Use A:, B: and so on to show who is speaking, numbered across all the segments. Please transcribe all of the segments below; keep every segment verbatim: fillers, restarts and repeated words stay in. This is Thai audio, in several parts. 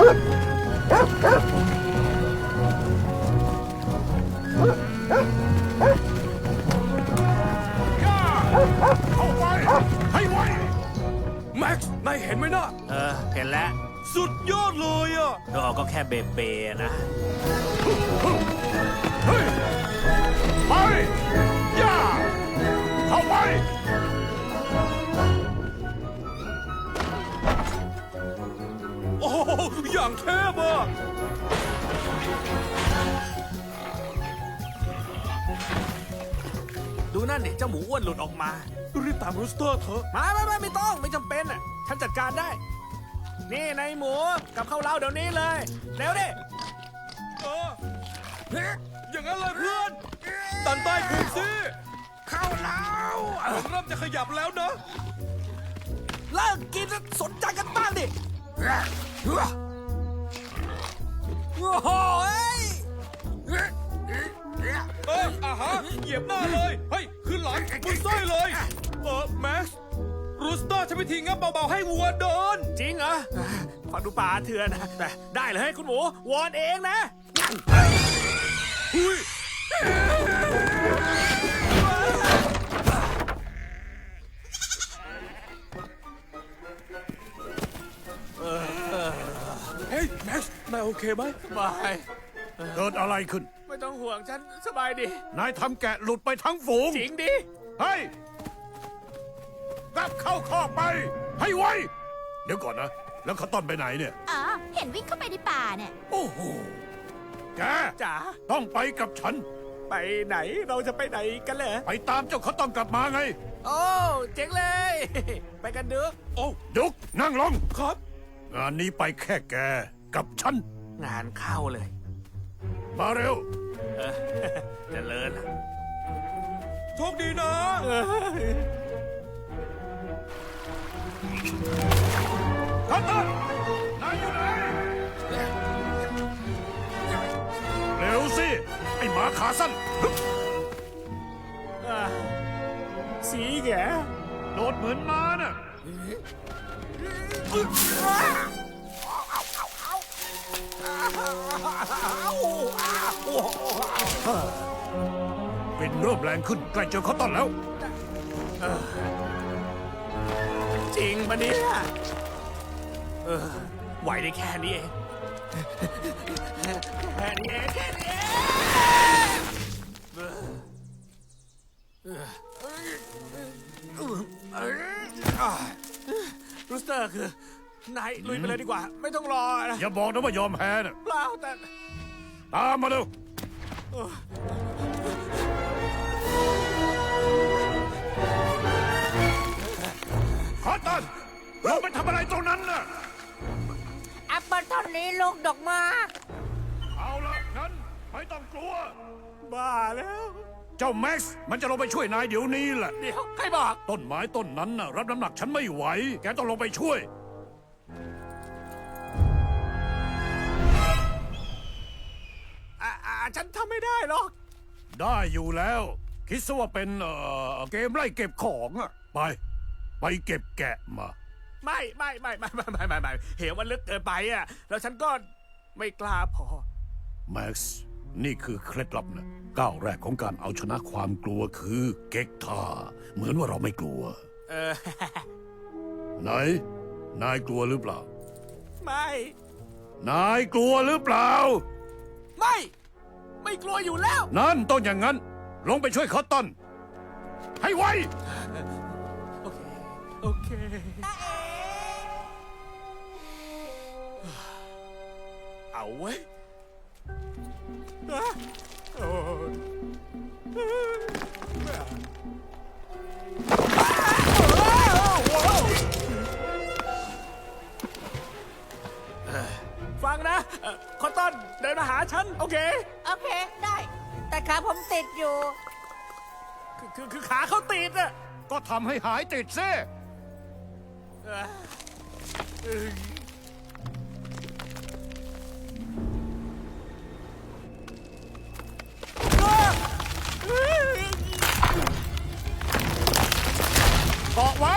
A: เข้าไปให้ไว
B: แม็กซ์นายเห็นไหมนะ
C: เออเห็นแล้ว
B: สุดยอดเลยอ่ะ
C: ก็ก็แค่เบเบนะ
A: เฮ้ยไปย่าเข้าไป
B: โอ้โหอย่างเทพอ่ะดูนั่นดิเจ้าหมูอ้วนหลุดออกมารีบตามรูสเตอร์เถอะไม่ไม่ไม่ไม่ต้องไม่จำเป็นอ่ะฉันจัดการได้ นี่นายหมูกับข้าวเล้าเดี๋ยวนี้เลยเร็วดิเออเฮ้ยอย่างนั้นเลยเพื่อนดันใต้พุงสิข้าวเล้าผมเริ่มจะขยับแล้วนะเลิกกินแล้วสนใจกันบ้างดิโอ้โหเอออ่ะฮะเหยียบหน้าเลยเฮ้ยขึ้นหลังมึงส้อยเลยเออแม็กซ์รูสเตอร์ใช้วิธีงับเบาๆให้วัวโดนจริงเหรอฟังดูป่าเถื่อนนะแต่ได้เลยคุณหมูวอนเองนะหุยเฮ้ยแม็กซ์นายโอเคไหมไม่
A: เกิดอะไรขึ้น
B: ไม่ต้องห่วงฉันสบายดี
A: นายทำแกะหลุดไปทั้งฝูง
B: จริงดิ
A: เฮ้ยกลับเข้าคอกไป ให้ไว เดี๋ยวก่อนนะ แล้วเขาต้อนไปไหนเนี่ย
D: อ๋อ เห็นวิ่งเข้าไปในป่าเนี่ย
A: โอ้โห แก
B: จ๋า
A: ต้องไปกับฉัน
B: ไปไหนเราจะไปไหนกันเหรอ
A: ไปตามเจ้าเขาต้อนกลับมาไง
B: โอ้เจ๋งเลย ไปกันเด้อโอ้
A: ดุกนั่งลง
B: ครับ
A: งานนี้ไปแค่แกกับฉัน
B: งานเข้าเลย
A: มาเร็ว
B: เออเจะเลินโชคดีนะ
A: คัตเตอร์นายอยู่ไหน เร็วสิ ไอ้หมาขาสั้น
B: อ่ะสีแก
A: โดดเหมือนม้าน่ะ เป็นเริ่มแรงขึ้นใกล้เจอเขาต้อนแล้ว
B: จริงปะเนี่ยเออไหวได้แค่นี้เองแค่นี้เองแค่นี้เองเออเออเออเออรูสเตอร์คือนายลุยไปเลยดีกว่า ไม่ต้องรอนะ
A: อย่าบอกนะว่ายอมแพ้น่ะ
B: เปล่าแต่
A: ตามมาเร็ว ขอตันเราไปทำอะไรตรงนั้นน่ะ
D: แอปเปิลต้นนี้ลูกดอกมาก
A: เอาละงั้นไม่ต้องกลัว
B: บ้าแล้ว
A: เจ้าแม็กซ์มันจะลงไปช่วยนายเดี๋ยวนี้แหละ
B: เดี๋ยว ใครบอก
A: ต้นไม้ต้นนั้นน่ะรับน้ำหนักฉันไม่ไหว แกต้องลงไปช่วย
B: อ่าอ่าฉันทำไม่ได้หรอก
A: ได้อยู่แล้ว คิดซะว่าเป็นเอ่อเกมไล่เก็บของอะไป ไปเก็บแกะมา
B: ไม่ไม่ไม่ไม่ไม่ไม่ไม่ไม่เหวมันลึกเกินไปอ่ะ แล้วฉันก็ไม่กล้าพอ
A: แม็กซ์นี่คือเคล็ดลับนะก้าวแรกของการเอาชนะความกลัวคือเก๊กท่าเหมือนว่าเราไม่กลัว
B: เออ
A: ไหน นายกลัวหรือเปล่า
B: ไม่
A: นายกลัวหรือเปล่า
B: ไม่ ไม่กลัวอยู่แล้ว
A: นั่นต้องอย่างนั้น ลงไปช่วยเขาต้น ให้ไว
B: โอเค โอเค เอาไว้ยอ่ะโอ้ยฟังนะเอ่อคอตตอนเดินมาหาฉัน โอเค
D: โอเค ได้ แต่ขาผมติดอยู่
B: คือคือคือขาเขาติดอะ
A: ก็ทำให้หายติดซิ
B: เอ่อเอ้ย
A: เกาะไว้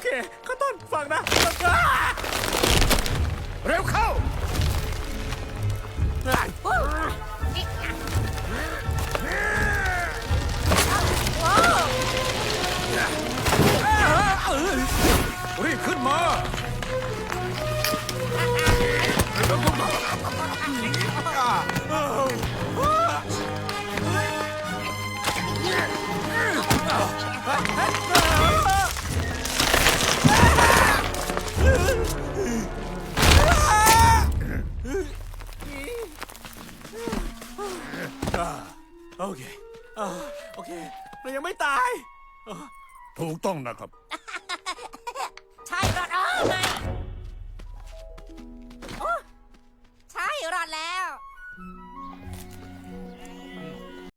B: เคข้าวต้นฟังนะ
A: เร็วเข้า รีบขึ้นมา
B: โอเคอ่าโอเคเรายังไม่ตาย
A: ถูกต้องนะครับ
D: ใช่รอดเออไม่โอ้ใช่รอดแล้